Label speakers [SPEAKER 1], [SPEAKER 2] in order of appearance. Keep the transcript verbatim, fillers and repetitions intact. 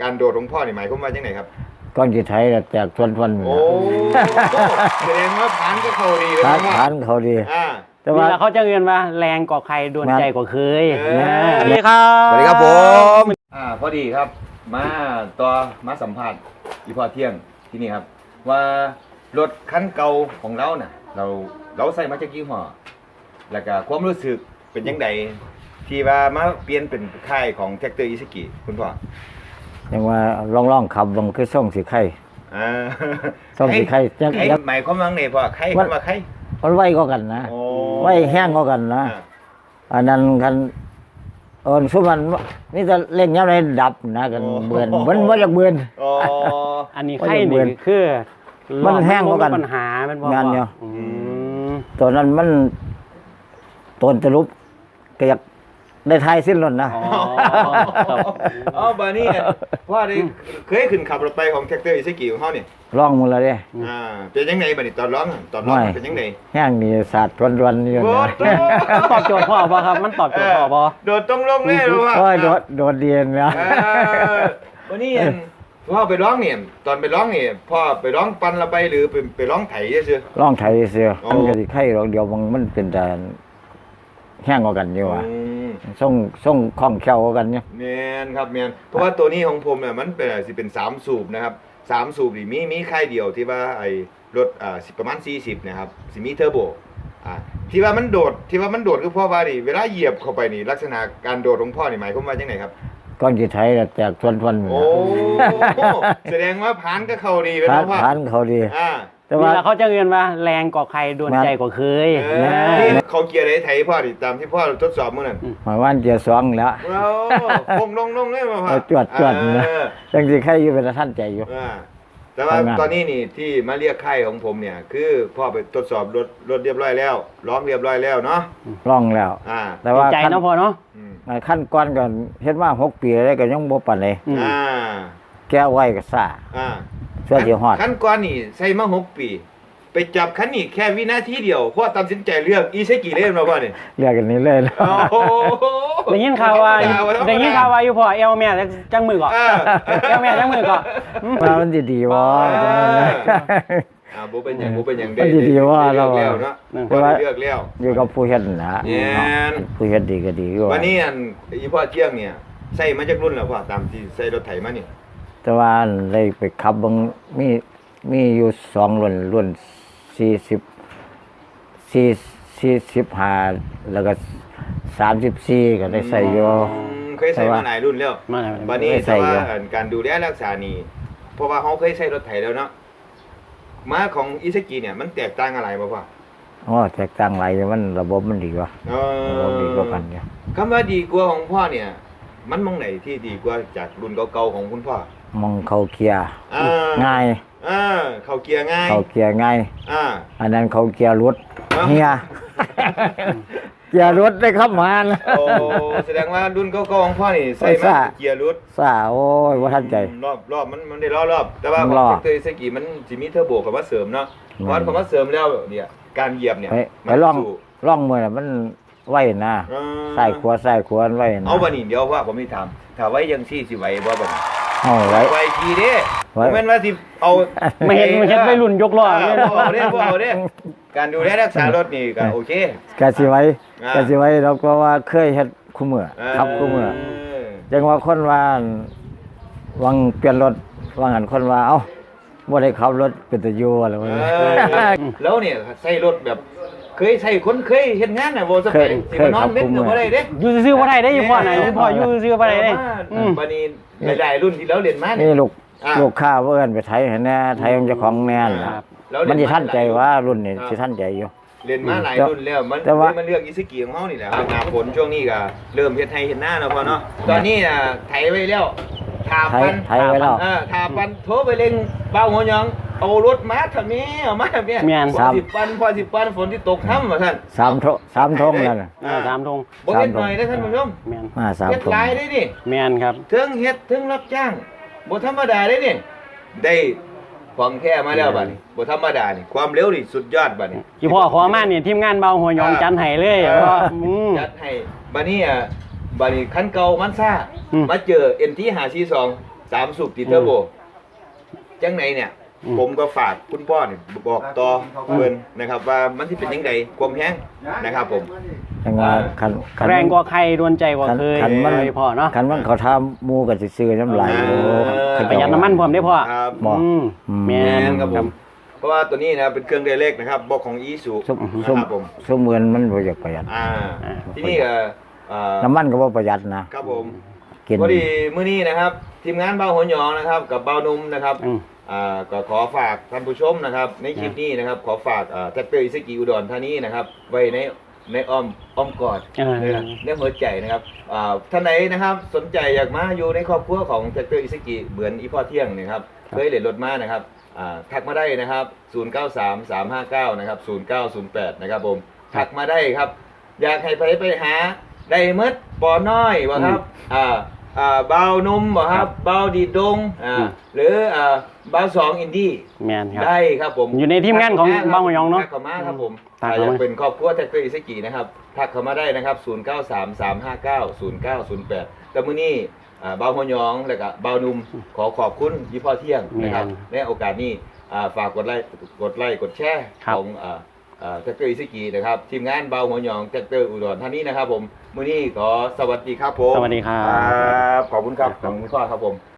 [SPEAKER 1] การโดดของพ่อนี่หมายความว่าจังไหนครับ
[SPEAKER 2] ก้อนกี่ไทยแตกทวนทวน
[SPEAKER 1] โอ้แสดงว่าผ่านก็เขาดีเลย
[SPEAKER 2] ผ่าน
[SPEAKER 1] นะ
[SPEAKER 2] ผ่านเขาดี
[SPEAKER 3] แต่ว่าเขาจะเรียนว่าแรงกว่าใครโดนใจกว่าเคยสวัสดีครั
[SPEAKER 1] บสวัสดีครับผมอ่าพอดีครับมาต่อมาสัมภาษณ์อีพ่อเที่ยงที่นี่ครับว่ารถคันเก่าของเราน่ะเราเราใส่มาจากยี่ห้อแล้วก็ความรู้สึกเป็นยังไงที่ว่ามาเปลี่ยนเป็นค่ายของแท็กเตอร์อิซึกิคุณพ่อ
[SPEAKER 2] ยังว่าล่องล่องขับลงคือส่งสีไข่
[SPEAKER 1] อ่า
[SPEAKER 2] ส่งสีไข่
[SPEAKER 1] จะหมายความว่าไงพ่อไข่มันว่าไข่
[SPEAKER 2] มันไวก็กันนะไวแห้งก็กันนะอันนั้นกันเออสุมันนี่จะเล่นยังไงดับนะกันเบือนมันมันจะเบือน
[SPEAKER 3] อันนี้ไข่นี่คือ
[SPEAKER 2] มันแห้งก็กัน
[SPEAKER 3] ปัญหามัน
[SPEAKER 2] งานเนี่ยตัวนั้นมันต้นตะลุบก็อยากได้ทายสิ้นรถนะ
[SPEAKER 1] อ๋อบานี่ว่าได้เคยขึ้นขับรถไปของแท็กเตอร์อิซึกิของเขาเนี่ย
[SPEAKER 2] ร้องมือเลยเนี่ย
[SPEAKER 1] อ่าเป็นยังไงบานี่ตอนร้องตอนร้องเป็นยังไง
[SPEAKER 2] แห้งนี่ศาสตร์วันๆนี่นะ
[SPEAKER 3] ตอบโจทย์พ่อป่ะครับมันตอบโจทย์พ่อป่ะ
[SPEAKER 1] โดดตรงลงแน่หรือว่า
[SPEAKER 2] โดดโดดเดียนนะ
[SPEAKER 1] วันนี้พ่อไปร้องเนี่ยตอนไปร้องเนี่ยพ่อไปร้องปันละไปหรือไปไปร้องไถเชื่อ
[SPEAKER 2] ร้องไถเชื่อมันก็สิไข่ร้องเดียวมันมันเป็นแต่แห้งกว่ากันอยู่ว่ะส่งส่งคล่องแคล่วกว่ากันเนี่ย
[SPEAKER 1] เมียนครับเมียนเพราะว่าตัวนี้ของผมเนี่ยมันเป็นสิเป็นสามสูบนะครับสามสูบนี่มีมีค่ายเดียวที่ว่าไอ้รถอ่าสิประมาณสี่สิบนะครับสิมีเทอร์โบอ่าที่ว่ามันโดดที่ว่ามันโดดคือพ่อว่าดิเวลาเหยียบเข้าไปนี่ลักษณะการโดดของพ่อนี่หมายความว่าจังไหนครับ
[SPEAKER 2] ก้อนกี่ไทยแตกทวนทวน
[SPEAKER 1] โอ้แสดงว่าผ่านก็เขาดีเลยนะพ่อ
[SPEAKER 2] ผ่านเขาดี
[SPEAKER 3] อ่าแต่ว่าเขาจะเรียนว่าแรงกว่าใครโดนใจกว่าเคย
[SPEAKER 1] ที่เขาเกียร์ได้ไถพ่อดิตามที่พ่อทดสอบเมื่อนั้น
[SPEAKER 2] หมายว่าเกียร์สองแล้ว
[SPEAKER 1] คงลงลงเลยมาพ่อ
[SPEAKER 2] จวดจวดนะยังสิใครอยู่เป็นท่านใจอยู่
[SPEAKER 1] แต่ว่าตอนนี้นี่ที่มาเรียกค่ายของผมเนี่ยคือพ่อไปทดสอบรถรถเรียบร้อยแล้วร้องเรียบร้อยแล้วเนาะ
[SPEAKER 2] ร้องแล้ว
[SPEAKER 3] แต่ว่าใจเนาะพ่อเนาะ
[SPEAKER 2] ขั้นก้อนก่อนเฮ็ดมาหกปีแล้วก็ยังบ่ปานใดแก้ไว้ก็ซ่าเสื้อสิฮอด
[SPEAKER 1] ขั้นก้อนนี่ใส่มาหกปีไปจับคันนี้แค่วินาทีเดียวพ่อตัดสินใจเลือกอิซึกิเล่นมาพ่อเนี่ย
[SPEAKER 2] เลือกกันนี้เลย
[SPEAKER 3] ได้ยินข่าวว่าได้ยินข่าวว่าอยู่พ่อเอลแม่จังมือก่อนเอลแม่จังมือก่อน
[SPEAKER 2] ว่ามันดีๆว่า
[SPEAKER 1] อ่าบ่เป็นอย่างบ่เป็นอย่าง
[SPEAKER 2] ได้ดีๆว่าเรา
[SPEAKER 1] เลือกแล้วเนาะพ่อเลือกแล้ว
[SPEAKER 2] อยู่กับผู้เฮ็ดนะผู้เฮ็ดดีก็ดีกว่า
[SPEAKER 1] วันนี้อันอีพ่อเที่ยงเนี่ยใส่มาจากรุ่นแล้วพ่อตามที่ใส่รถไถมานี่
[SPEAKER 2] แต่ว่าเลยไปขับบางมีมีอยู่สองรุ่นรุ่นสี่สิบสี่สี่สิบห้าแล้วก็สามสิบสี่ก็ได้ใส่อยู่
[SPEAKER 1] เคยใส่มาหลายรุ่นแล้ววันนี้แต่ว่าการดูแลรักษานี่เพราะว่าเขาเคยใช้รถไถแล้วเนาะม้าของอิซึกิเนี่ยมันแตกต่างอะไรบ้างพ่อ
[SPEAKER 2] อ๋อแตกต่างอะไรมันระบบมันดีกว่าระบบดีกว่ากันเนี่ย
[SPEAKER 1] คำว่าดีกว่าของพ่อเนี่ยมันมองไหนที่ดีกว่าจากรุ่นเก่าๆของคุณพ่อ
[SPEAKER 2] มองเขาเกียร์ง่าย
[SPEAKER 1] อ่าเขาเกียร์ง่าย
[SPEAKER 2] เขาเกียร์ง่าย
[SPEAKER 1] อ่า
[SPEAKER 2] อันนั้นเขาเกียร์รถเฮียเกียร์รถได้ครับมา
[SPEAKER 1] โอ้แสดงว่ารุ่นเก่าๆของพ่อนี่ใส่มาเกียร์รถ
[SPEAKER 2] ซาโอ้ยว่าทันใจ
[SPEAKER 1] รอบรอบมันมันได้รอบรอบแต่ว่าของเตยเซกิมันจะมีเทอร์โบเข้ามาเสริมเนาะเพราะเข้ามาเสริมแล้วเนี่ยการเหยียบเนี่ย
[SPEAKER 2] ไปล่องล่องมือมันไหวนะใส่ขวาใส่ขวาไหวนะ
[SPEAKER 1] เอาบันนี้เดี๋ยวว่าผมไม่ทำถ้าไว้ยังซี่สิไหวบ่บัน
[SPEAKER 2] เอาไว้
[SPEAKER 1] ไว้ทีเด้แม่นว่าสิเอา
[SPEAKER 3] ไม่เห็นไม่เห็นไม่รุ่นยกล้อ
[SPEAKER 1] เนี่ยเอาเด้บ่เอาเด้การดูแลรักษารถนี่ก็โอเค
[SPEAKER 2] กะสิไว้กะสิไว้เราก็ว่าเคยเฮ็ดคู่มือครับคู่มือจังว่าคนว่าวังเปลี่ยนรถว่างั้นคนว่าเอ้าบ่ได้ขับรถเป็นตะอยู่อะไรวะ
[SPEAKER 1] แล้วเนี่ยใช้รถแบบเคยใช้คนเคยเฮ็ดงานน่ะบ่สักสิมานอนเว้นก็บ่ได้เด้
[SPEAKER 3] อยู่ซื่อๆบ่ได้เด้อยู่พ่อน่ะพ่ออยู่ซื่อๆบ่ได้เด้
[SPEAKER 1] อืมบัดนี้หลายๆรุ่นที่เราเรียนมา
[SPEAKER 2] นี่ลูกลูกค้าเอิ้นไปไถให้แน่ไถของเจ้าของแน่น่ะมันสิทันใจว่ารุ่นนี้สิทันใจอยู่
[SPEAKER 1] เรียนมาหลายรุ่นแล้วมันมันเลือกอิซึกิของเฮานี่แหละหน้าฝนช่วงนี้ก็เริ่มเฮ็ดไถเฮ็ดนาแล้วพ่อเนาะตอนนี้น่ะไถไว้แล้วทาปัน
[SPEAKER 2] ไถไว้แล้ว
[SPEAKER 1] เออทาปันโทรไปเร่งเบาหัวหยองเอารถมาทำแม่เอามาแม่พอสิปันพอสิปันฝนที่ตกค่ำว่าท่าน
[SPEAKER 2] สามทงสามทงแล้วน่ะ
[SPEAKER 3] เออสามทง
[SPEAKER 1] บ่เฮ็ดหน่อยนะท่านผู้ชม
[SPEAKER 2] แม่นมาสามทง
[SPEAKER 1] เฮ็ดหลายได้ดิ
[SPEAKER 3] แม่นครับ
[SPEAKER 1] ถึงเฮ็ดถึงรับจ้างบ่ธรรมดาได้นี่ได้ของแท้มาแล้วบัดนี้บ่ธรรมดานี่ความเร็วนี่สุดยอดบัดนี้
[SPEAKER 3] ที่พ่อขอมานี่ทีมงานเบาหัวหยองจัดให้เลยพ่อ
[SPEAKER 1] จัดให้บัดนี้อ่ะบัดนี้คันเก่ามันซ่ามาเจอ เอ็น ที ห้าสี่สองสามสูบติดเทอร์โบจังไหนเนี่ย
[SPEAKER 3] อืม
[SPEAKER 1] ผมก็ฝากคุณพ่อเนี่ยบอกต่อเพื่อนนะครับ ว่ามันที่เป็นยังไงความแห้งนะครับผม
[SPEAKER 2] จังว่าคันคัน
[SPEAKER 3] แรงกว่าใครดวนใจกว่า
[SPEAKER 2] คัน
[SPEAKER 3] เคย
[SPEAKER 2] คันมัน
[SPEAKER 3] เลยพ่อเนาะ
[SPEAKER 2] คันมันเขาทำหมูก็สิซื้อน้ำลายโอ้
[SPEAKER 1] เออ
[SPEAKER 3] ประหยัดน้ำมันพร้อมได้พ่อ
[SPEAKER 1] ครับ
[SPEAKER 2] บ่
[SPEAKER 3] อืม
[SPEAKER 2] อืม
[SPEAKER 3] แม่
[SPEAKER 1] แม่
[SPEAKER 3] น
[SPEAKER 1] นครับผมเพราะว่าตัวนี้นะครับเป็นเครื่องเดเล็กนะครับบอกของอีซู
[SPEAKER 2] ซุม
[SPEAKER 1] นะ
[SPEAKER 2] ซุม
[SPEAKER 1] ครับผม
[SPEAKER 2] ซุมเหมือนมันบ่อยากประหยัด
[SPEAKER 1] อ่าที่นี่ก็เอ่อ
[SPEAKER 2] น้ำมันก็บ่ประหยัดนะครับ
[SPEAKER 1] ผม
[SPEAKER 2] กิน
[SPEAKER 1] พอดีมื้อนี้นะครับ ทีมงานเบาหัวหยองนะครับ กับเบานุ่มนะครับ
[SPEAKER 3] อืม
[SPEAKER 1] อ่าก็ขอฝากท่านผู้ชมนะครับ ในคลิปนี้นะครับ ขอฝากแท็กเตอร์อิซกิอุดรธานีนะครับ ไว้ในในอ้อมอ้อมกอด
[SPEAKER 3] เออ
[SPEAKER 1] นะครับในหัวใจนะครับอ่าท่านไหนนะครับสนใจอยากมาอยู่ในครอบครัวของแท็กเตอร์อิซกิเหมือนอีพ่อเที่ยงนะครับเคยเหรียญรถมานะครับอ่าทักมาได้นะครับศูนย์ เก้า สาม สาม ห้า เก้านะครับศูนย์ เก้า ศูนย์ แปดนะครับผมทักมาได้ครับ อยากให้ไปไปหาได้หมดปอน้อยบ่ครับอ่าอ่าเบานุ่มบ่ครับเบาดีดดงอ่า
[SPEAKER 3] อืม
[SPEAKER 1] หรืออ่าเบาสองอินดี้
[SPEAKER 3] แม่นครับ
[SPEAKER 1] ได้ครับผม
[SPEAKER 3] อยู่ในทีมงานของเบาหัวหยองเนอะ
[SPEAKER 1] ทักเข้ามาครับผม
[SPEAKER 3] ทัก
[SPEAKER 1] ถ้า
[SPEAKER 3] เข้า
[SPEAKER 1] อยาก
[SPEAKER 3] มา
[SPEAKER 1] เป็นครอบครัวแท็กเตอร์อิซกินะครับทักเข้ามาได้นะครับศูนย์ เก้า สาม สาม ห้า เก้า ศูนย์ เก้า ศูนย์ แปดแต่มื้อนี้อ่าเบาหัวหยองแล้วก็เบานุ่มขอขอบคุณยี่พ่อเที่ยงนะครับในโอกาสนี้อ่าฝากกดไลค์กดไลค์กดแชร์
[SPEAKER 3] ครับ
[SPEAKER 1] ของอ่า อ่าแท็กเตอร์อิซกินะครับทีมงานเบาหัวหยองแท็กเตอร์อุดรธานีนะครับผมมื้อนี้ขอสวัสดีครับผม
[SPEAKER 3] สวัสดีครับ
[SPEAKER 1] ครับขอบคุณครับขอบคุณพ่อครับผม